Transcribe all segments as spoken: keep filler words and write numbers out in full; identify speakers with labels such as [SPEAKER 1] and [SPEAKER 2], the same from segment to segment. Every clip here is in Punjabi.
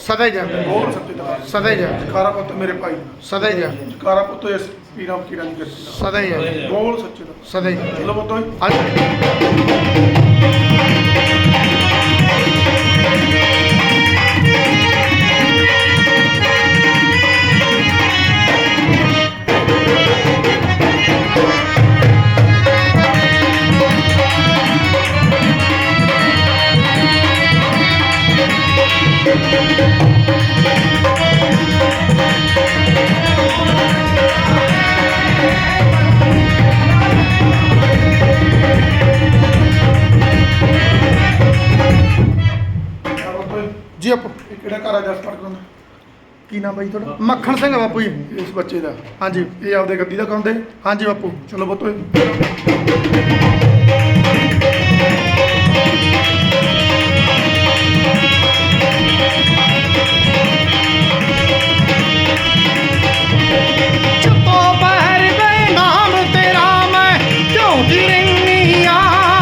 [SPEAKER 1] ਸਦਾ ਹੀ ਜੈ
[SPEAKER 2] ਬੋਲ ਸੱਚੇ ਦਰਬਾਰ
[SPEAKER 1] ਸਦਾ ਹੀ ਜੈ
[SPEAKER 2] ਜਕਾਰਾ ਪੁੱਤ ਮੇਰੇ ਭਾਈ
[SPEAKER 1] ਸਦਾ ਹੀ ਜੈ
[SPEAKER 2] ਜਕਾਰਾ ਪੁੱਤ ਇਸ ਪੀਰਾਂ ਫਕੀਰਾਂ ਦੀ ਗੱਦੀ ਦਾ
[SPEAKER 1] ਸਦਾ ਹੀ ਜੈ
[SPEAKER 2] ਬੋਲ ਸੱਚੇ ਦਰਬਾਰ
[SPEAKER 1] ਸਦਾ ਹੀ ਜੈ
[SPEAKER 2] ਚਲੋ ਪੁੱਤੋ
[SPEAKER 1] ਜੀ ਆਪੋ
[SPEAKER 2] ਇਹ ਕਿਹੜਾ ਘਰ ਆ ਜਸ ਪੜ ਕਰਾਉਂਦਾ
[SPEAKER 1] ਕੀ ਨਾਮ ਬਾਈ ਤੁਹਾਡਾ ਮੱਖਣ ਸਿੰਘ ਆ ਬਾਪੂ ਜੀ
[SPEAKER 2] ਇਸ ਬੱਚੇ ਦਾ
[SPEAKER 1] ਹਾਂਜੀ
[SPEAKER 2] ਇਹ ਆਪਦੇ ਗੱਦੀ ਦਾ ਕਰਾਉਂਦੇ
[SPEAKER 1] ਹਾਂਜੀ ਬਾਪੂ
[SPEAKER 2] ਚਲੋ ਪੁੱਤੋ
[SPEAKER 1] ਚੁੱਪੋ ਬਹਿਰ ਦੇ ਨਾਮ ਤੇਰਾ ਮੈਂ ਝੂਠੀ ਰਹਿਨੀ ਆ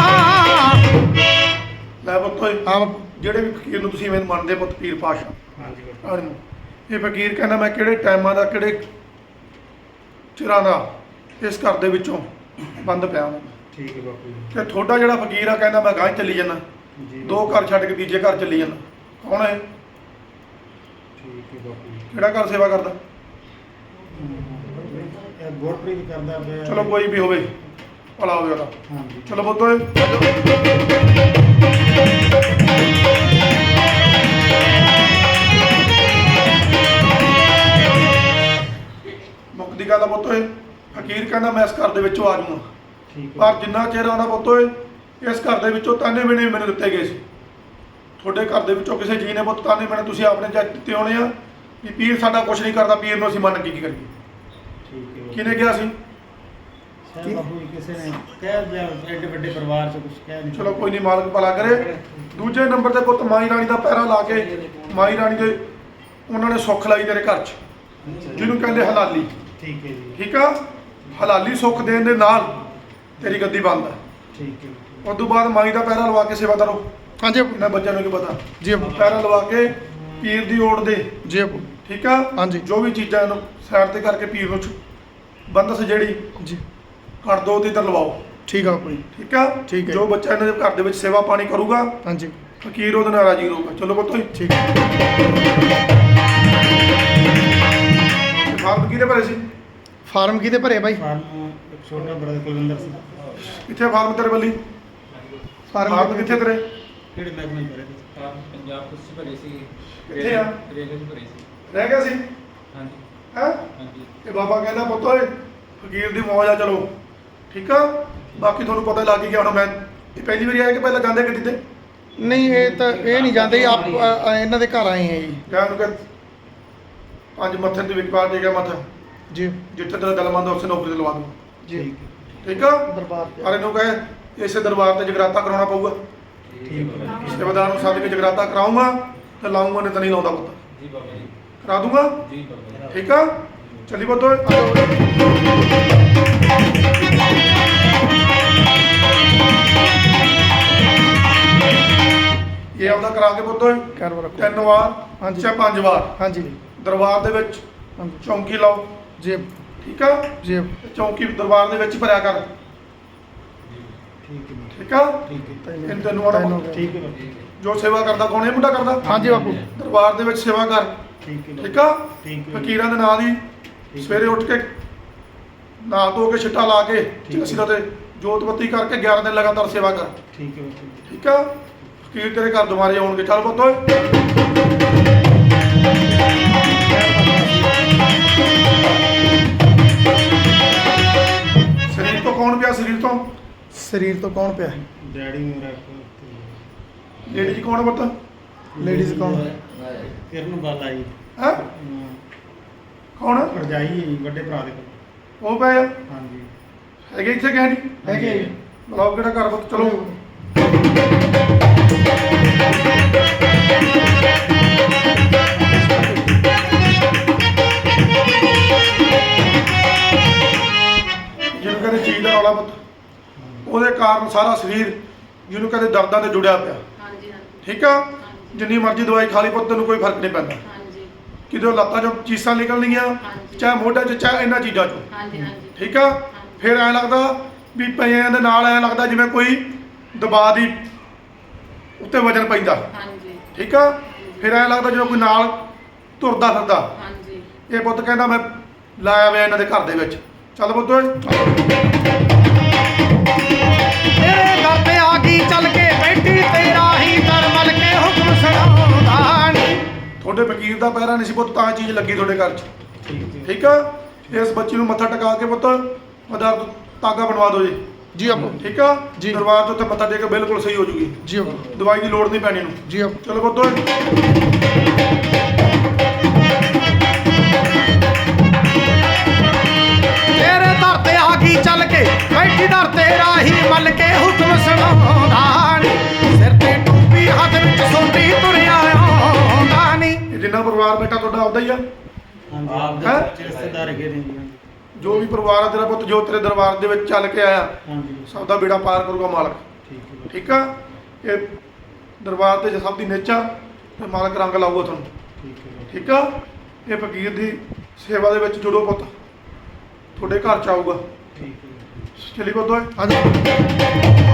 [SPEAKER 2] ਲੈ ਪੁੱਤੋ
[SPEAKER 1] ਹਾਂ ਬਾਪੂ
[SPEAKER 2] ਜਿਹੜੇ ਵੀ ਫਕੀਰ ਨੂੰ ਤੁਸੀਂ ਮੈਨੂੰ ਮੰਨਦੇ ਪੁੱਤ ਪੀਰ ਪਾਸ਼ਾ ਹਾਂਜੀ ਇਹ ਫਕੀਰ ਕਹਿੰਦਾ ਮੈਂ ਕਿਹੜੇ ਟਾਈਮਾਂ ਦਾ ਕਿਹੜੇ ਚਿਰਾਂ ਦਾ ਇਸ ਘਰ ਦੇ ਵਿੱਚੋਂ ਬੰਦ ਪਿਆ ਹਾਂ
[SPEAKER 3] ਠੀਕ ਹੈ ਬਾਪੂ ਜੀ
[SPEAKER 2] ਤੇ ਤੁਹਾਡਾ ਜਿਹੜਾ ਫਕੀਰ ਆ ਕਹਿੰਦਾ ਮੈਂ ਗਾਂ ਚੱਲੀ ਜਾਂਦਾ
[SPEAKER 3] ਜੀ
[SPEAKER 2] ਦੋ ਘਰ ਛੱਡ ਕੇ ਤੀਜੇ ਘਰ ਚੱਲੀ ਜਾਂਦਾ ਕੌਣ ਹੈ
[SPEAKER 3] ਠੀਕ ਹੈ ਬਾਪੂ ਜੀ
[SPEAKER 2] ਕਿਹੜਾ ਘਰ ਸੇਵਾ ਕਰਦਾ
[SPEAKER 3] ਇਹ ਗੁਰਪ੍ਰੀਤ ਕਰਦਾ ਪਿਆ
[SPEAKER 2] ਚਲੋ ਕੋਈ ਵੀ ਹੋਵੇ ਭਲਾ ਹੋਵੇ ਉਹਦਾ
[SPEAKER 3] ਹਾਂਜੀ
[SPEAKER 2] ਚਲੋ ਪੁੱਤੋ ਮੁਕਤੀ ਗੱਲ ਦਾ ਪੁੱਤੋ ਫਕੀਰ ਕਹਿੰਦਾ ਮੈਂ ਇਸ ਘਰ ਦੇ ਵਿੱਚੋਂ ਆ ਜਾਊਂਗਾ
[SPEAKER 3] ਠੀਕ ਹੈ
[SPEAKER 2] ਪਰ ਜਿੰਨਾ ਚਿਰ ਆਉਂਦਾ ਪੁੱਤੋ ਇਸ ਘਰ ਦੇ ਵਿੱਚੋਂ ਤਾਨੇ ਬਿਨੇ ਮੈਨੂੰ ਦਿੱਤੇ ਗਏ ਸੀ ਤੁਹਾਡੇ ਘਰ ਦੇ ਵਿੱਚੋਂ ਕਿਸੇ ਜੀ ਨੇ ਪੁੱਤ ਤਾਨੇ ਬਿਨੇ ਤੁਸੀਂ ਆਪਣੇ ਜੱਜ ਦਿੱਤੇ ਹੋਣੇ ਆ ਕਿ ਪੀਰ ਸਾਡਾ ਕੁਝ ਨਹੀਂ ਕਰਦਾ ਪੀਰ ਨੂੰ ਅਸੀਂ ਮੰਨ ਕੇ ਕੀ ਕਰੀਏ
[SPEAKER 3] ਠੀਕ ਹੈ
[SPEAKER 2] ਕਿਹਨੇ ਕਿਹਾ ਸੀ
[SPEAKER 3] ਸ਼ਾਇਦ ਬਾਪੂ ਜੀ ਕਿਸੇ ਨੇ ਕਹਿ ਦਿਆ ਐਡੇ ਵੱਡੇ ਪਰਿਵਾਰ ਚ ਕੁਝ ਕਹਿ ਨਹੀਂ
[SPEAKER 2] ਚਲੋ ਕੋਈ ਨਹੀਂ ਮਾਲਕ ਭਲਾ ਕਰੇ ਦੂਜੇ ਨੰਬਰ ਤੇ ਪੁੱਤ ਮਾਈ ਰਾਣੀ ਦਾ ਪਹਿਰਾ ਲਾ ਕੇ ਮਾਈ ਰਾਣੀ ਦੇ ਉਹਨਾਂ ਨੇ ਸੁੱਖ ਲਾਈ ਤੇਰੇ ਘਰ 'ਚ ਜਿਹਨੂੰ ਕਹਿੰਦੇ ਹਲਾਲੀ
[SPEAKER 3] ਠੀਕ ਹੈ ਜੀ
[SPEAKER 2] ਠੀਕ ਆ ਹਲਾਲੀ ਸੁੱਖ ਦੇਣ ਦੇ ਨਾਲ ਤੇਰੀ ਗੱਦੀ ਬੰਦ ਹੈ
[SPEAKER 3] ਠੀਕ ਹੈ
[SPEAKER 2] ਉਸ ਤੋਂ ਬਾਅਦ ਮਾਈ ਦਾ ਪਹਿਰਾ ਲਵਾ ਕੇ ਸੇਵਾ ਕਰੋ
[SPEAKER 1] ਹਾਂਜੀ ਬਾਪੂ
[SPEAKER 2] ਇਹਨਾਂ ਬੱਚਿਆਂ ਨੂੰ ਕੀ ਪਤਾ
[SPEAKER 1] ਜੀ ਬਾਪੂ
[SPEAKER 2] ਪਹਿਰਾ ਲਵਾ ਕੇ ਪੀਰ ਦੀ ਓੜ ਦੇ
[SPEAKER 1] ਜੀ ਬਾਪੂ
[SPEAKER 2] ਠੀਕ ਆ
[SPEAKER 1] ਹਾਂਜੀ।
[SPEAKER 2] ਜੋ ਵੀ ਚੀਜ਼ਾਂ ਇਹਨੂੰ ਸਾਈਡ ਤੇ ਕਰਕੇ ਪੀਰ ਨੂੰ ਛੁ- ਬੰਦਸ ਜਿਹੜੀ
[SPEAKER 1] ਜੀ
[SPEAKER 2] ਕੱਢ ਦੋ ਤੇ ਇੱਧਰ ਲਵਾਓ
[SPEAKER 1] ਠੀਕ ਆ ਬਾਪੂ ਜੀ
[SPEAKER 2] ਠੀਕ ਆ
[SPEAKER 1] ਠੀਕ ਹੈ।
[SPEAKER 2] ਜੋ ਬੱਚਾ ਇਹਨਾਂ ਦੇ ਘਰ ਦੇ ਵਿੱਚ ਸੇਵਾ ਪਾਣੀ ਕਰੂਗਾ
[SPEAKER 1] ਹਾਂਜੀ
[SPEAKER 2] ਫਕੀਰ ਉਹਦੇ ਨਾਲ ਰਾਜੀ ਰਹੂਗਾ ਚਲੋ ਪੁੱਤੋ
[SPEAKER 1] ਠੀਕ ਹੈ
[SPEAKER 2] ਫਾਰਮ ਕਿਹਦੇ ਭਰੇ ਸੀ
[SPEAKER 1] ਫਾਰਮ ਕਿਹਦੇ ਭਰੇ ਬਾਈ
[SPEAKER 3] ਫਾਰਮ ਇੱਕ ਛੋਟਾ ਬੜਾ ਕੁਲਵਿੰਦਰ ਸਿੰਘ
[SPEAKER 2] ਕਿੱਥੇ ਫਾਰਮ ਤੇਰੇ ਵੱਲੀ
[SPEAKER 1] ਫਾਰਮ
[SPEAKER 2] ਫਾਰਮ ਕਿੱਥੇ ਤੇਰੇ
[SPEAKER 3] ਕਿਹੜੇ ਮਹਿਕਮੇ ਚ ਭਰੇ
[SPEAKER 4] ਹਾਂ ਪੰਜਾਬ ਪੁਲਿਸ ਚ ਭਰੇ ਸੀ
[SPEAKER 2] ਕਿੱਥੇ ਆ?
[SPEAKER 4] ਰੇਲਵੇ ਚ ਭਰੇ ਸੀ
[SPEAKER 2] ਰਹਿ ਗਿਆ ਸੀ
[SPEAKER 4] ਹਾਂਜੀ
[SPEAKER 2] ਹੈ
[SPEAKER 4] ਹਾਂਜੀ
[SPEAKER 2] ਇਹ ਬਾਬਾ ਕਹਿੰਦਾ ਪੁੱਤ ਓਏ ਫਕੀਰ ਦੀ ਮੌਜ ਆ ਚਲੋ ਠੀਕ ਆ ਬਾਕੀ ਤੁਹਾਨੂੰ ਪਤਾ ਲੱਗ ਹੀ ਗਿਆ ਹੁਣ ਮੈਂ ਇਹ ਪਹਿਲੀ ਵਾਰੀ ਆਇਆ ਕਿ ਪਹਿਲਾਂ ਜਾਂਦੇ ਗੱਡੀ ਤੇ
[SPEAKER 1] ਨਹੀਂ ਇਹ ਤਾਂ ਇਹ ਨਹੀਂ ਜਾਂਦੇ ਆਪ ਅ, ਅ, ਇਹਨਾਂ ਦੇ ਘਰ ਆਏ ਆ ਜੀ
[SPEAKER 2] ਕਹਿਣ ਨੂੰ ਕਿ ਪੰਜ ਮੱਥੇ ਤੇ ਵਿਕਵਾ ਦੇ ਗਿਆ ਮੱਥਾ
[SPEAKER 1] ਜੀ
[SPEAKER 2] ਜਿੱਥੇ ਤੇਰਾ ਦਿਲ ਮੰਨਦਾ ਉਸੇ ਨੌਕਰੀ ਤੇ ਲਵਾ ਦੂੰ
[SPEAKER 1] ਜੀ
[SPEAKER 2] ਠੀਕ ਆ
[SPEAKER 1] ਦਰਬਾਰ ਤੇ
[SPEAKER 2] ਪਰ ਇਹਨੂੰ ਕਹੇ ਇਸੇ ਦਰਬਾਰ ਤੇ ਜਗਰਾਤਾ ਕਰਾਉਣਾ ਪਊਗਾ
[SPEAKER 3] ਠੀਕ ਹੈ
[SPEAKER 2] ਸੇਵਾਦਾਰ ਨੂੰ ਸੱਦ ਕੇ ਜਗਰਾਤਾ ਕਰਾਉਂਗਾ ਤੇ ਲਾਉਂਗਾ ਨਹੀਂ ਤਾਂ ਨਹੀਂ ਲਾਉਂਦਾ ਪੁੱਤ
[SPEAKER 4] ਜੀ ਬਾਬਾ ਜੀ
[SPEAKER 2] ਕਰਾ ਦੂੰਗਾ
[SPEAKER 4] ਜੀ ਬਾਬਾ
[SPEAKER 2] ਠੀਕ ਆ ਚੱਲੀ ਪੁੱਤ ਓਏ ਇਹ ਆਪਦਾ ਕਰਾ ਕੇ ਪੁੱਤ ਓਏ
[SPEAKER 1] ਕਰ ਵਰ
[SPEAKER 2] ਤਿੰਨ ਵਾਰ
[SPEAKER 1] ਹਾਂਜੀ।
[SPEAKER 2] ਚਾਹੇ ਪੰਜ ਵਾਰ
[SPEAKER 1] ਹਾਂਜੀ
[SPEAKER 2] ਦਰਬਾਰ ਦੇ ਵਿੱਚ
[SPEAKER 1] ਹਾਂਜੀ
[SPEAKER 2] ਚੌਂਕੀ ਲਾਓ
[SPEAKER 1] ਜੀ
[SPEAKER 2] ਠੀਕ ਆ
[SPEAKER 1] ਜੀ
[SPEAKER 2] ਚੌਂਕੀ ਦਰਬਾਰ ਦੇ ਵਿੱਚ ਭਰਿਆ ਕਰ
[SPEAKER 3] ਠੀਕ ਹੈ
[SPEAKER 2] ਠੀਕ ਆ
[SPEAKER 3] ਠੀਕ ਹੈ
[SPEAKER 2] ਇਹਨੂੰ ਤੈਨੂੰ ਆਉਣਾ
[SPEAKER 1] ਤਿੰਨ ਹੋ ਗਏ।
[SPEAKER 3] ਠੀਕ ਹੈ ਬਾਪੂ
[SPEAKER 2] ਜੋ ਸੇਵਾ ਕਰਦਾ ਕੌਣ ਇਹ ਮੁੰਡਾ ਕਰਦਾ
[SPEAKER 1] ਹਾਂਜੀ ਬਾਪੂ
[SPEAKER 2] ਦਰਬਾਰ ਦੇ ਵਿੱਚ ਸੇਵਾ ਕਰ
[SPEAKER 3] ਠੀਕ ਹੈ ਬਾਪੂ।
[SPEAKER 2] ਠੀਕ ਆ
[SPEAKER 3] ਠੀਕ ਹੈ
[SPEAKER 2] ਫਕੀਰਾਂ ਦੇ ਨਾਂ ਦੀ ਸਵੇਰੇ ਉੱਠ ਕੇ ਨਹਾ ਧੋ ਕੇ ਛਿੱਟਾ ਲਾ ਕੇ ਚਲਸੀ ਦਾ ਤੇ ਜੋਤ ਬੱਤੀ ਕਰਕੇ ਗਿਆਰਾਂ ਦਿਨ ਲਗਾਤਾਰ ਸੇਵਾ ਕਰ
[SPEAKER 3] ਠੀਕ ਹੈ ਬਾਪੂ।
[SPEAKER 2] ਠੀਕ ਆ ਫਕੀਰ ਤੇਰੇ ਘਰ ਦੁਬਾਰੇ ਆਉਣਗੇ ਚੱਲ ਪੁੱਤ ਓਏ ਸਰੀਰ ਤੋਂ ਕੌਣ ਪਿਆ ਸਰੀਰ ਤੋਂ
[SPEAKER 1] ਸਰੀਰ ਤੋਂ ਕੌਣ ਪਿਆ
[SPEAKER 3] ਡੈਡੀ ਮੇਰਾ
[SPEAKER 2] ਲੇਡੀ ਜੀ ਕੌਣ ਪੁੱਤ
[SPEAKER 1] ਲੇਡੀਜ਼ ਕੌਣ
[SPEAKER 3] ਕਿਰਨ ਬਾਲਾ ਜੀ
[SPEAKER 2] ਹੈ
[SPEAKER 3] ਅਮ,
[SPEAKER 2] ਕੌਣ
[SPEAKER 3] ਭਰਜਾਈ ਹੈ ਜੀ ਵੱਡੇ ਭਰਾ ਦੇ ਕੋਲ
[SPEAKER 2] ਉਹ ਪਿਆ
[SPEAKER 3] ਹਾਂਜੀ
[SPEAKER 2] ਹੈਗੇ ਇੱਥੇ ਕਹਿ ਨਹੀਂ
[SPEAKER 1] ਹੈਗੇ ਜੀ।
[SPEAKER 2] ਬਲਾਓ ਕਿਹੜਾ ਘਰ ਪੁੱਤ ਚਲੋ ਜਿਹਨੂੰ ਕਹਿੰਦੇ ਚੀਜ਼ ਦਾ ਰੌਲਾ ਪੁੱਤ ਉਹਦੇ ਕਾਰਨ ਸਾਰਾ ਸਰੀਰ ਜਿਹਨੂੰ ਕਹਿੰਦੇ ਦਰਦਾਂ ਤੇ ਜੁੜਿਆ ਪਿਆ
[SPEAKER 5] ਹਾਂਜੀ ਹਾਂਜੀ
[SPEAKER 2] ਠੀਕ ਆ
[SPEAKER 5] ਹਾਂਜੀ
[SPEAKER 2] ਜਿੰਨੀ ਮਰਜ਼ੀ ਦਵਾਈ ਖਾ ਲਈ ਪੁੱਤ ਤੈਨੂੰ ਕੋਈ ਫਰਕ ਨਹੀਂ ਪੈਂਦਾ।
[SPEAKER 5] ਹਾਂਜੀ
[SPEAKER 2] ਕਿਤੇ ਲੱਤਾਂ 'ਚੋਂ ਚੀਸਾਂ ਨਿਕਲਣਗੀਆਂ,
[SPEAKER 5] ਹਾਂਜੀ।
[SPEAKER 2] ਚਾਹੇ ਮੋਢਿਆਂ 'ਚ ਚਾਹੇ ਇਹਨਾਂ ਚੀਜ਼ਾਂ 'ਚੋਂ,
[SPEAKER 5] ਹਾਂਜੀ ਹਾਂਜੀ
[SPEAKER 2] ਠੀਕ ਆ। ਫਿਰ ਐਂ ਲੱਗਦਾ ਵੀ ਪਈਆਂ ਦੇ ਨਾਲ ਐਂ ਲੱਗਦਾ ਜਿਵੇਂ ਕੋਈ ਦਬਾਅ ਦੀ ਉੱਤੇ ਵਜਨ ਪੈਂਦਾ,
[SPEAKER 5] ਹਾਂਜੀ
[SPEAKER 2] ਠੀਕ ਆ। ਫਿਰ ਐਂ ਲੱਗਦਾ ਜਿਵੇਂ ਕੋਈ ਨਾਲ ਤੁਰਦਾ ਫਿਰਦਾ।
[SPEAKER 5] ਹਾਂਜੀ
[SPEAKER 2] ਇਹ ਪੁੱਤ ਕਹਿੰਦਾ ਮੈਂ ਲਾਇਆ ਵੇ ਇਹਨਾਂ ਦੇ ਘਰ ਦੇ ਵਿੱਚ। ਚੱਲ ਪੁੱਤ ਓਏ।
[SPEAKER 1] ਤੇਰੇ ਦਰ ਤੇ ਆ ਗਈ ਚੱਲ ਕੇ ਬੈਠੀ ਤੇਰਾ ਹੀ ਦਰ ਮਲ ਕੇ ਹੁਕਮ ਸੁਣਾਉਂਦਾ ਨੀ।
[SPEAKER 2] ਤੁਹਾਡੇ ਫਕੀਰ ਦਾ ਪੈਰਾ ਨਹੀਂ ਸੀ ਪੁੱਤ, ਤਾਂ ਚੀਜ਼ ਲੱਗੀ ਤੁਹਾਡੇ ਘਰ 'ਚ,
[SPEAKER 3] ਠੀਕ ਹੈ
[SPEAKER 2] ਠੀਕ ਆ। ਇਸ ਬੱਚੀ ਨੂੰ ਮੱਥਾ ਟਿਕਾ ਕੇ ਪੁੱਤ ਮਦਰ ਤਾਗਾ ਬਣਵਾ ਦਿਓ ਜੀ,
[SPEAKER 6] ਜੀ ਆਪੋ
[SPEAKER 2] ਠੀਕ ਆ।
[SPEAKER 6] ਜੀ।
[SPEAKER 2] ਦਰਬਾਰ 'ਚ ਉੱਥੇ ਮੱਥਾ ਟੇਕ ਕੇ ਬਿਲਕੁਲ ਸਹੀ ਹੋ ਜੂਗੀ,
[SPEAKER 6] ਜੀ ਆਪੋ
[SPEAKER 2] ਦਵਾਈ ਦੀ ਲੋੜ ਨਹੀਂ ਪੈਣੀ ਇਹਨੂੰ।
[SPEAKER 6] ਜੀ ਆਪੋ
[SPEAKER 2] ਚਲੋ ਪੁੱਤ ਓਏ।
[SPEAKER 1] ਤੇਰੇ ਦਰ ਤੇ ਆ ਗਈ ਚੱਲ ਕੇ ਬੈਠੀ ਦਰ ਤੇਰਾ ਹੀ ਮਲ ਕੇ ਹੁਕਮ ਸੁਣਾਉਂਦਾ ਨੀ। ਸਿਰ ਤੇ ਟੋਪੀ ਹੱਥ ਵਿੱਚ ਸੋਟੀ ਤੁਰਿਆ ਆਉਂਦਾ ਨੀ।
[SPEAKER 2] ਇਹ ਜਿੰਨਾ ਪਰਿਵਾਰ ਬੈਠਾ ਤੁਹਾਡਾ ਆਪਦਾ ਹੀ ਆ।
[SPEAKER 3] ਹਾਂਜੀ ਆਪ
[SPEAKER 2] ਹੈਂ?
[SPEAKER 3] ਦੇ ਰਿਸ਼ਤੇਦਾਰ ਹੈਗੇ ਨੇ ਜੀ।
[SPEAKER 2] ਜੋ ਵੀ ਪਰਿਵਾਰ ਆ ਤੇਰਾ ਪੁੱਤ, ਜੋ ਤੇਰੇ ਦਰਬਾਰ ਦੇ ਵਿੱਚ ਚੱਲ ਕੇ ਆਇਆ,
[SPEAKER 3] ਹਾਂਜੀ
[SPEAKER 2] ਸਭ ਦਾ ਬੇੜਾ ਪਾਰ ਕਰੂਗਾ ਮਾਲਕ,
[SPEAKER 3] ਠੀਕ ਹੈ
[SPEAKER 2] ਠੀਕ ਆ। ਇਹ ਦਰਬਾਰ ਤੇ ਸਭ ਦੀ ਨਿੱਚ ਆ ਤੇ ਮਾਲਕ ਰੰਗ ਲਾਊਗਾ ਤੁਹਾਨੂੰ,
[SPEAKER 3] ਠੀਕ ਹੈ
[SPEAKER 2] ਠੀਕ ਆ। ਇਹ ਫਕੀਰ ਦੀ ਸੇਵਾ ਦੇ ਵਿੱਚ ਜੁੜੋ ਪੁੱਤ, ਤੁਹਾਡੇ ਘਰ ਚ ਆਊਗਾ।
[SPEAKER 3] ਠੀਕ ਹੈ
[SPEAKER 2] ਚਲੀ ਪੁੱਤ ਓਏ।
[SPEAKER 6] ਆ ਜਾਓ।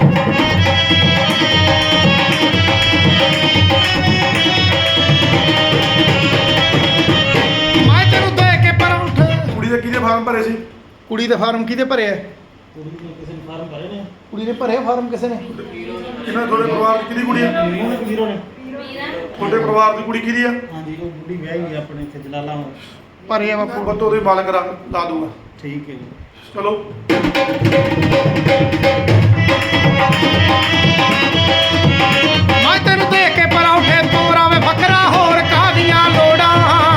[SPEAKER 1] ਮੈਂ ਤੈਨੂੰ ਦੇ ਕੇ ਪਰੌਂਠੇ
[SPEAKER 2] ਕੁੜੀ ਦੇ ਕਿਹਦੇ ਫਾਰਮ ਭਰੇ ਸੀ?
[SPEAKER 6] ਕੁੜੀ ਦੇ ਫਾਰਮ ਕਿਹਦੇ ਭਰੇ ਆ?
[SPEAKER 3] ਕੁੜੀ ਨੇ ਕਿਸੇ ਨੇ ਫਾਰਮ ਭਰੇ ਨੇ
[SPEAKER 6] ਕੁੜੀ ਦੇ ਭਰੇ ਫਾਰਮ ਕਿਸੇ ਨੇ?
[SPEAKER 2] ਕਿਹਨਾਂ ਤੁਹਾਡੇ ਪਰਿਵਾਰ ਦੀ ਕਿਹਦੀ ਕੁੜੀ ਆ?
[SPEAKER 3] ਵੀਰੋ ਨੇ ਵੀਰੋ ਨੇ
[SPEAKER 2] ਤੁਹਾਡੇ ਪਰਿਵਾਰ ਦੀ ਕੁੜੀ ਕਿਹਦੀ ਆ?
[SPEAKER 3] ਹਾਂਜੀ ਉਹ ਬੁੱਢੀ ਵਿਆਹੀ ਹੋਈ ਆਪਣੇ ਇੱਥੇ ਜਲਾਲਾ
[SPEAKER 6] ਭਰੇ ਆ ਬਾਪੂ।
[SPEAKER 2] ਪੁੱਤ ਉਹਦੇ ਮਾਲਕ ਰੰਗ ਲਾ ਦੂਗਾ।
[SPEAKER 3] ਠੀਕ ਹੈ ਜੀ
[SPEAKER 2] ਚਲੋ
[SPEAKER 1] ਮੈਂ ਤੈਨੂੰ ਦੇ ਕੇ ਪਰੌਂਠੇ ਤੋਰਾ ਵੇ ਬੱਕਰਾ ਹੋਰ ਕਾਹਦੀਆਂ ਲੋੜਾਂ।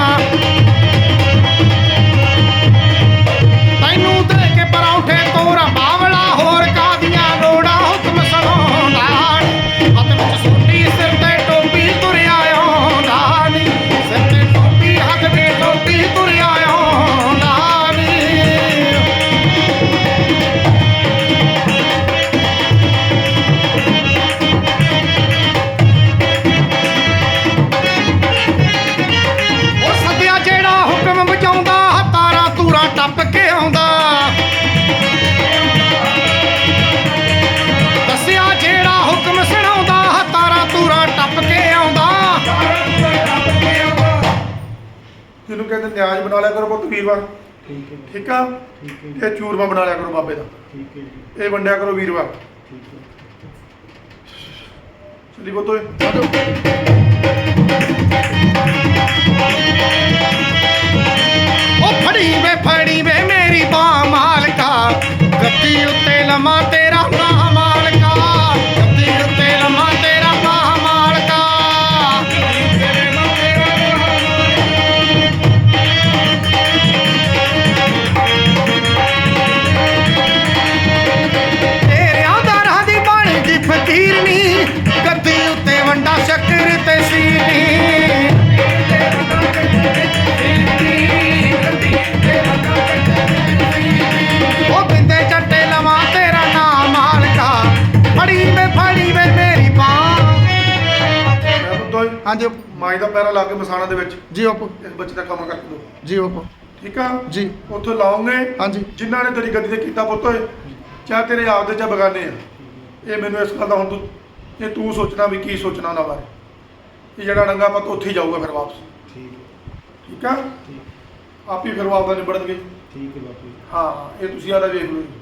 [SPEAKER 1] ਤੈਨੂੰ ਦੇ ਕੇ ਪਰੌਂਠੇ ਤੋਰਾ ਬਾਵਲਾ ਹੋਰ ਕਾਹਦੀਆਂ ਲੋੜਾਂ। ਹੁਕਮ ਸੁਣਾਉਂਦਾ ਨੀ। ਹੱਥ ਵਿੱਚ ਸੋਟੀ ਸਿਰ ਤੇ ਟੋਪੀ ਤੁਰਿਆ ਆਉਂਦਾ ਨੀ। ਸਿਰ ਤੇ ਟੋਪੀ ਹੱਥ ਵਿੱਚ ਟੋਪੀ ਤੁਰਿਆ ਆਉਂਦਾ ਨੀ। ਉਹ ਸੱਦਿਆ ਜਿਹੜਾ ਹੁਕਮ ਬਚਾਉਂਦਾ ਤਾਰਾਂ ਤੂਰਾਂ ਟੱਪ ਕੇ ਆਉਂਦਾ। ਦੱਸਿਆ ਜਿਹੜਾ ਹੁਕਮ ਸੁਣਾਉਂਦਾ ਤਾਰਾਂ ਤੂਰਾਂ ਟੱਪ ਕੇ ਆਉਂਦਾ।
[SPEAKER 2] ਜਿਹਨੂੰ ਕਹਿੰਦੇ ਨਿਆਜ਼ ਬਣਾ ਲਿਆ ਕਰੋ ਪੁੱਤ ਵੀਰਵਾਰ,
[SPEAKER 3] ਠੀਕ ਹੈ ਜੀ
[SPEAKER 2] ਠੀਕ ਆ।
[SPEAKER 3] ਠੀਕ ਹੈ ਜੀ
[SPEAKER 2] ਇਹ ਚੂਰਮਾ ਬਣਾ ਲਿਆ ਕਰੋ ਬਾਬੇ ਦਾ,
[SPEAKER 3] ਠੀਕ ਹੈ ਜੀ
[SPEAKER 2] ਇਹ ਵੰਡਿਆ ਕਰੋ ਵੀਰਵਾਰ।
[SPEAKER 3] ਠੀਕ ਹੈ
[SPEAKER 2] ਚਲੀ ਪੁੱਤ ਓਏ।
[SPEAKER 6] ਆ ਜਾਓ।
[SPEAKER 1] ਉਹ ਫੜੀ ਵੇ ਫੜੀ ਵੇ ਮੇਰੀ ਬਾਹ ਮਾਲਕਾ। ਗੱਦੀ ਉੱਤੇ ਲਮਾ ਤੇਰਾ ਨਾਮ ਮਾਲਕਾ। ਗੱਦੀ ਉੱਤੇ ਲਮਾ ਤੇਰਾ ਨਾਮ ਮਾਲਕਾ। ਤੇਰਿਆਂ ਦਰਾਂ ਦੀ ਬਣ ਗਈ ਫਕੀਰਨੀ। ਗੱਦੀ ਉੱਤੇ ਵੰਡਾ ਸ਼ੱਕਰ ਤੇ ਸੀਨੀ। ਉਹ ਬਿੰਦੇ ਚੱਟੇ ਲਵਾਂ ਤੇਰਾ ਨਾਮ ਮਾਲਕਾ। ਫੜੀ ਵੇ ਫੜੀ ਵੇ ਮੇਰੀ ਬਾਂਹ।
[SPEAKER 2] ਮੈਂ ਪੁੱਤ ਓਏ
[SPEAKER 6] ਹਾਂਜੀ
[SPEAKER 2] ਮਾਈ ਦਾ ਪੈਰਾ ਲਾ ਕੇ ਮਸਾਣਾ ਦੇ ਵਿੱਚ
[SPEAKER 6] ਜੀ ਬਾਪੂ
[SPEAKER 2] ਇਸ ਬੱਚੇ ਦਾ ਕੰਮ ਕਰ ਦਿਓ,
[SPEAKER 6] ਜੀ ਬਾਪੂ
[SPEAKER 2] ਠੀਕ ਆ।
[SPEAKER 6] ਜੀ
[SPEAKER 2] ਉੱਥੇ ਲਾਉਂਗੇ
[SPEAKER 6] ਹਾਂਜੀ
[SPEAKER 2] ਜਿਨ੍ਹਾਂ ਨੇ ਤੇਰੀ ਗੱਦੀ ਤੇ ਕੀਤਾ ਪੁੱਤ ਓਏ, ਚਾਹੇ ਤੇਰੇ ਆਪਦੇ ਜਾਂ ਬਗਾਨੇ ਆ। ਇਹ ਮੈਨੂੰ ਇਸ ਗੱਲ ਦਾ ਹੁਣ ਤੂੰ ਇਹ ਤੂੰ ਸੋਚਣਾ ਵੀ ਕੀ ਸੋਚਣਾ ਉਹਨਾਂ ਬਾਰੇ। ਇਹ ਜਿਹੜਾ ਡੰਗਾ ਪੁੱਤ ਉੱਥੇ ਹੀ ਜਾਊਗਾ ਫਿਰ ਵਾਪਸ,
[SPEAKER 3] ਠੀਕ ਹੈ
[SPEAKER 2] ਠੀਕ ਆ।
[SPEAKER 3] ਠੀਕ
[SPEAKER 2] ਆਪ ਹੀ ਫਿਰ ਉਹ ਆਪਦਾ ਨਿਬੜਨਗੇ।
[SPEAKER 3] ਠੀਕ ਹੈ ਬਾਪੂ ਜੀ
[SPEAKER 2] ਹਾਂ ਇਹ ਤੁਸੀਂ ਆਦਾ ਵੇਖ ਲਓ ਜੀ।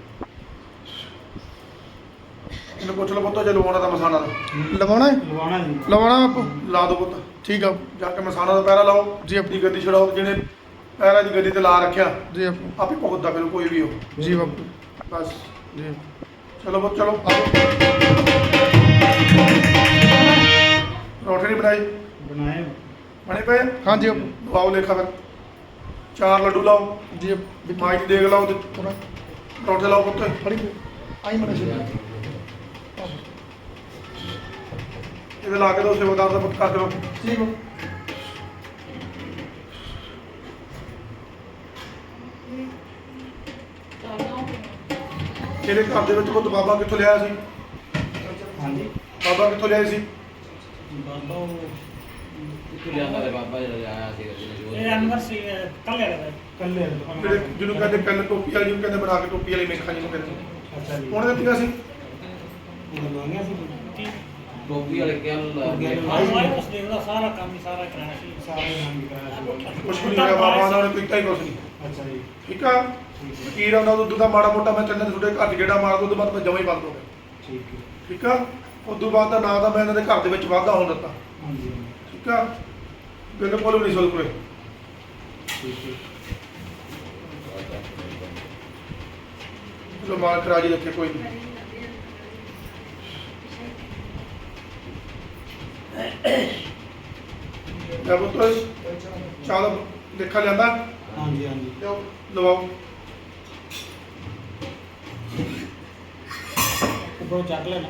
[SPEAKER 2] ਇਹਨੂੰ ਪੁੱਛ ਲਓ ਪੁੱਤ ਜੇ ਲਵਾਉਣਾ ਤਾਂ ਮਸਾਣਾ ਦਾ
[SPEAKER 6] ਲਵਾਉਣਾ ਹੈ?
[SPEAKER 3] ਲਵਾਉਣਾ ਜੀ
[SPEAKER 6] ਲਵਾਉਣਾ ਬਾਪੂ।
[SPEAKER 2] ਲਾ ਦਿਓ ਪੁੱਤ,
[SPEAKER 6] ਠੀਕ ਆ
[SPEAKER 2] ਜਾ ਕੇ ਮਸਾਣਾ ਦਾ ਪੈਰਾ ਲਾਓ
[SPEAKER 6] ਜੀ।
[SPEAKER 2] ਆਪਣੀ ਗੱਦੀ ਛਡਾਓ, ਜਿਹਨੇ ਪੈਰਾਂ ਦੀ ਗੱਦੀ ਤੇ ਲਾ ਰੱਖਿਆ
[SPEAKER 6] ਜੀ ਬਾਪੂ
[SPEAKER 2] ਆਪੇ ਭੁਗਤਦਾ ਫਿਰ ਕੋਈ ਵੀ ਹੋ।
[SPEAKER 6] ਜੀ ਬਾਪੂ
[SPEAKER 2] ਬਸ
[SPEAKER 6] ਜੀ
[SPEAKER 2] ਚਲੋ ਪੁੱਤ ਚਲੋ।
[SPEAKER 6] ਆ ਜਾਓ।
[SPEAKER 2] ਰੋਟੀ ਨਹੀਂ ਬਣਾਈ?
[SPEAKER 3] ਬਣਾਏ
[SPEAKER 2] ਬਣੇ ਪਏ ਆ?
[SPEAKER 6] ਹਾਂਜੀ ਬਾਪੂ
[SPEAKER 2] ਲਵਾਓ ਲੇਖਾ ਫਿਰ। ਚਾਰ ਲੱਡੂ ਲਾਓ,
[SPEAKER 6] ਜੀ
[SPEAKER 2] ਮਾਈ ਦੀ ਦੇਗ ਲਾਓ ਤੇ
[SPEAKER 6] ਥੋੜਾ
[SPEAKER 2] ਪਰੌਂਠੇ ਲਾਓ ਪੁੱਤ।
[SPEAKER 6] ਫੜੀ ਆਈ ਮੜਾ ਜੀ
[SPEAKER 2] ਇਹਦੇ ਲਾ ਕੇ ਦੋ ਸੇਵਾਦਾਰ ਦਾ ਪੁੱਤ ਕਰ ਦਿਓ।
[SPEAKER 6] ਜੀ ਬਾਪੂ
[SPEAKER 2] ਇਹਦੇ ਘਰ ਦੇ ਵਿੱਚ ਪੁੱਤ ਬਾਬਾ ਕਿੱਥੋਂ ਲਿਆਇਆ ਸੀ?
[SPEAKER 3] ਹਾਂਜੀ
[SPEAKER 2] ਬਾਬਾ ਕਿੱਥੋਂ ਲਿਆਏ ਸੀ?
[SPEAKER 3] ਬਾਬਾ ਉਹ
[SPEAKER 5] ਕਿੱਥੋਂ ਲਿਆਂਦਾ ਤੇ ਬਾਬਾ ਜਿਹੜਾ ਆਇਆ ਸੀ
[SPEAKER 7] ਇਹ ਅਨਵਰ ਸੀ ਕੱਲੇ ਵਾਲਾ
[SPEAKER 3] ਕੱਲੇ
[SPEAKER 2] ਜਿਹੜੇ ਜਿਹਨੂੰ ਕਹਿੰਦੇ ਕੰਨ ਟੋਪੀ ਵਾਲੀ ਜਿਹਨੂੰ ਕਹਿੰਦੇ ਬਣਾ ਕੇ ਟੋਪੀ ਵਾਲੀ ਮੇਖਾਂ ਜਿਹਨੂੰ ਕਹਿੰਦੇ
[SPEAKER 3] ਅੱਛਾ ਜੀ
[SPEAKER 2] ਉਹਨੇ ਦਿੱਤੀਆਂ ਸੀ
[SPEAKER 3] ਉਹ ਮੰਗਿਆ ਸੀ
[SPEAKER 7] ਕੀ
[SPEAKER 5] ਟੋਪੀ ਵਾਲੇ ਕਿਹਨ
[SPEAKER 7] ਆਵਾਜ਼ ਉਸ ਦੇ ਉਹਦਾ ਸਾਰਾ ਕੰਮ ਹੀ ਸਾਰਾ ਕਰਾਇਆ ਸੀ
[SPEAKER 3] ਸਾਰੇ ਨਾਮ ਕਰਾਇਆ ਸੀ
[SPEAKER 2] ਕੁਛ ਵੀ ਨਹੀਂ ਹੋਇਆ ਬਾਬਾ ਉਹਨਾਂ ਨੇ ਕੀਤਾ ਹੀ ਕੁਛ ਨਹੀਂ
[SPEAKER 3] ਅੱਛਾ ਜੀ
[SPEAKER 2] ਠੀਕ ਆ ਫਕੀਰ ਆਉਂਦਾ ਉਦੋਂ ਦਾ ਮਾੜਾ ਮੋਟਾ ਮੈਂ ਚੱਲਣ ਤੁਹਾਡੇ ਘਰ 'ਚ ਗੇੜਾ ਮਾਰਦਾ ਉਦੋਂ ਬਾਅਦ ਮੈਂ ਜਮਾਂ ਹੀ ਬੰਦ ਹੋ ਗਿਆ
[SPEAKER 3] ਠੀਕ ਹੈ
[SPEAKER 2] ਠੀਕ ਆ ਉਦੋਂ ਬਾਅਦ ਦਾ ਨਾਂ ਦਾ ਮੈਂ ਇਹਨਾਂ ਦੇ ਘਰ ਦੇ ਵਿੱਚ ਵਾਧਾ ਹੋਣ ਦਿੱਤਾ
[SPEAKER 3] ਹਾਂਜੀ
[SPEAKER 2] ਠੀਕ ਆ ਬਿਲਕੁਲ ਵੀ ਨਹੀਂ ਸੁਲ ਕੋਲੇ
[SPEAKER 3] ਠੀਕ ਹੈ
[SPEAKER 2] ਚਲੋ ਮਾਲਕ ਰਾਜੀ ਰੱਖੇ ਕੋਈ ਨਹੀਂ ਜਬ ਤੋਂ ਚਾਲ ਲਿਖਾ ਜਾਂਦਾ
[SPEAKER 3] ਹਾਂਜੀ ਹਾਂਜੀ
[SPEAKER 2] ਲਵਾਓ
[SPEAKER 3] ਉੱਪਰੋਂ ਚੱਕ ਲੈਣਾ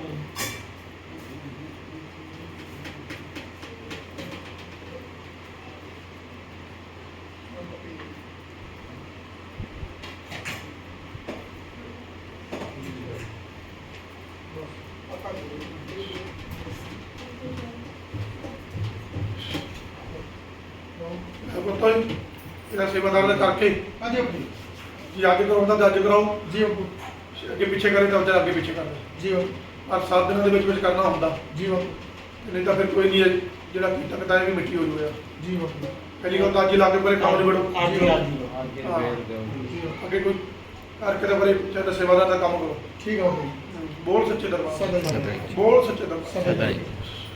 [SPEAKER 2] ਜਬ ਤੋਂ ਇਹਦਾ ਸੇਵਾਦਾਰ ਦਾ ਕਰਕੇ
[SPEAKER 6] ਹਾਂਜੀ ਬਾਪੂ
[SPEAKER 2] ਜੀ ਅੱਗੇ ਕਰਾਉਂਦਾ ਤਾਂ ਅੱਜ ਕਰਾਓ
[SPEAKER 6] ਜੀ ਬਾਪੂ
[SPEAKER 2] ਅੱਗੇ ਪਿੱਛੇ ਕਰੇ ਤਾਂ ਅੱਗੇ ਪਿੱਛੇ ਕਰਦੇ
[SPEAKER 6] ਜੀ ਬਾਪੂ
[SPEAKER 2] ਔਰ ਸੱਤ ਦਿਨਾਂ ਦੇ ਵਿੱਚ ਵਿੱਚ ਕਰਨਾ ਹੁੰਦਾ
[SPEAKER 6] ਜੀ ਬਾਪੂ
[SPEAKER 2] ਨਹੀਂ ਤਾਂ ਫਿਰ ਕੋਈ ਨਹੀਂ ਹੈ, ਜਿਹੜਾ ਕੀਤਾ ਕਿਤਾ ਵੀ ਮਿੱਟੀ ਹੋ ਜੂਗਾ
[SPEAKER 6] ਜੀ ਬਾਪੂ
[SPEAKER 2] ਪਹਿਲੀ ਗੱਲ ਤਾਂ ਅੱਜ ਹੀ ਲਾ ਕੇ ਪਰੇ ਕੰਮ ਨਿਬੜੋ
[SPEAKER 3] ਅੱਜ ਹੀ ਅੱਜ ਹੀ
[SPEAKER 5] ਅੱਗੇ
[SPEAKER 2] ਹਾਂ।
[SPEAKER 5] ਫੇਰ ਦਿਓ
[SPEAKER 6] ਜੀ ਬਾਪੂ।
[SPEAKER 2] ਅੱਗੇ ਕੋਈ ਕਰਕੇ ਤਾਂ ਪਰੇ ਚਾਹੇ ਸੇਵਾਦਾਰ ਦਾ ਕੰਮ ਕਰੋ
[SPEAKER 6] ਠੀਕ ਆ ਬਾਪੂ
[SPEAKER 2] ਬੋਲ ਸੱਚੇ ਦਰਬਾਰ
[SPEAKER 6] ਸਦਾ ਜੀ
[SPEAKER 2] ਬੋਲ ਸੱਚੇ ਦਰਬਾਰ
[SPEAKER 6] ਸਦਾ ਜੀ